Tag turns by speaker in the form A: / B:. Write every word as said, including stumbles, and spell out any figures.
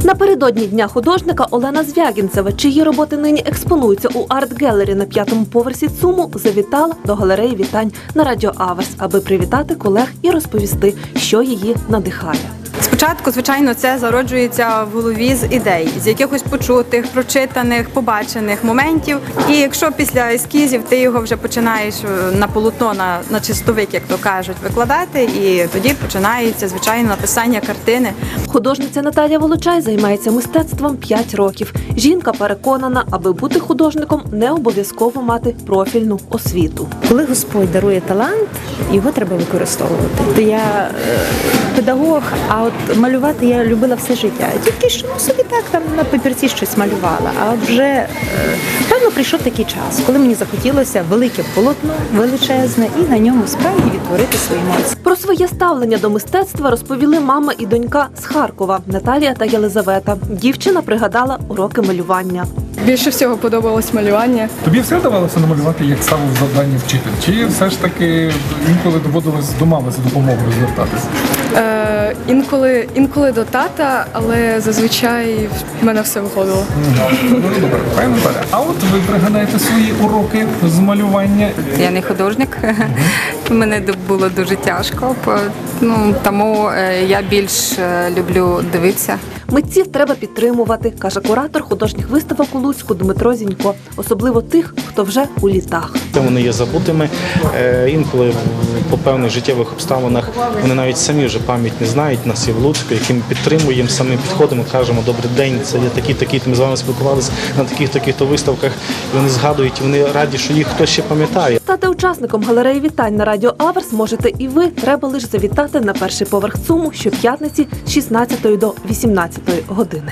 A: Напередодні Дня художника Олена Звягінцева, чиї роботи нині експонуються у арт-гелері на п'ятому поверсі ЦУМу, завітала до галереї вітань на Радіо Аверс, аби привітати колег і розповісти, що її надихає.
B: Спочатку, звичайно, це зароджується в голові з ідей, з якихось почутих, прочитаних, побачених моментів. І якщо після ескізів ти його вже починаєш на полотно, на, на чистовик, як то кажуть, викладати, і тоді починається, звичайно, написання картини.
A: Художниця Наталія Волочай займається мистецтвом п'ять років. Жінка переконана, аби бути художником, не обов'язково мати профільну освіту.
C: Коли Господь дарує талант, його треба використовувати. То я е, педагог, а от малювати я любила все життя. Тільки що ну, собі так там на папірці щось малювала. А от вже, е, певно, прийшов такий час, коли мені захотілося велике полотно, величезне, і на ньому справді відтворити свої емоції.
A: Про своє ставлення до мистецтва розповіли мама і донька з Харкова Наталія та Єлизавета. Дівчина пригадала уроки малювання.
D: Більше всього подобалось малювання.
E: Тобі все вдавалося намалювати, як ставив завдання вчитель? Чи все ж таки інколи доводилось до мами за допомогою звертатися?
D: Е, інколи, інколи до тата, але зазвичай в мене все виходило.
E: Ну, добре, пані Наталя, а от ви пригадаєте свої уроки з малювання?
B: Я не художник, мене було дуже тяжко, ну, тому я більш люблю дивитися.
A: Митців треба підтримувати, каже куратор художніх виставок у Луцьку Дмитро Зінько. Особливо тих, хто вже у літах.
F: Вони є забутими. Інколи по певних життєвих обставинах вони навіть самі вже пам'ять не знають нас і в Луцьку, яким підтримуємо, самі підходимо, кажемо «Добрий день, це є такі-такі, ми з вами спілкувалися на таких-таких-то виставках». І вони згадують, і вони раді, що їх хтось ще пам'ятає.
A: Стати учасником галереї вітань на Радіо Аверс можете і ви. Треба лише завітати на перший поверх ЦУМу щоп'ятниці з шістнадцятої до вісімнадцятої години.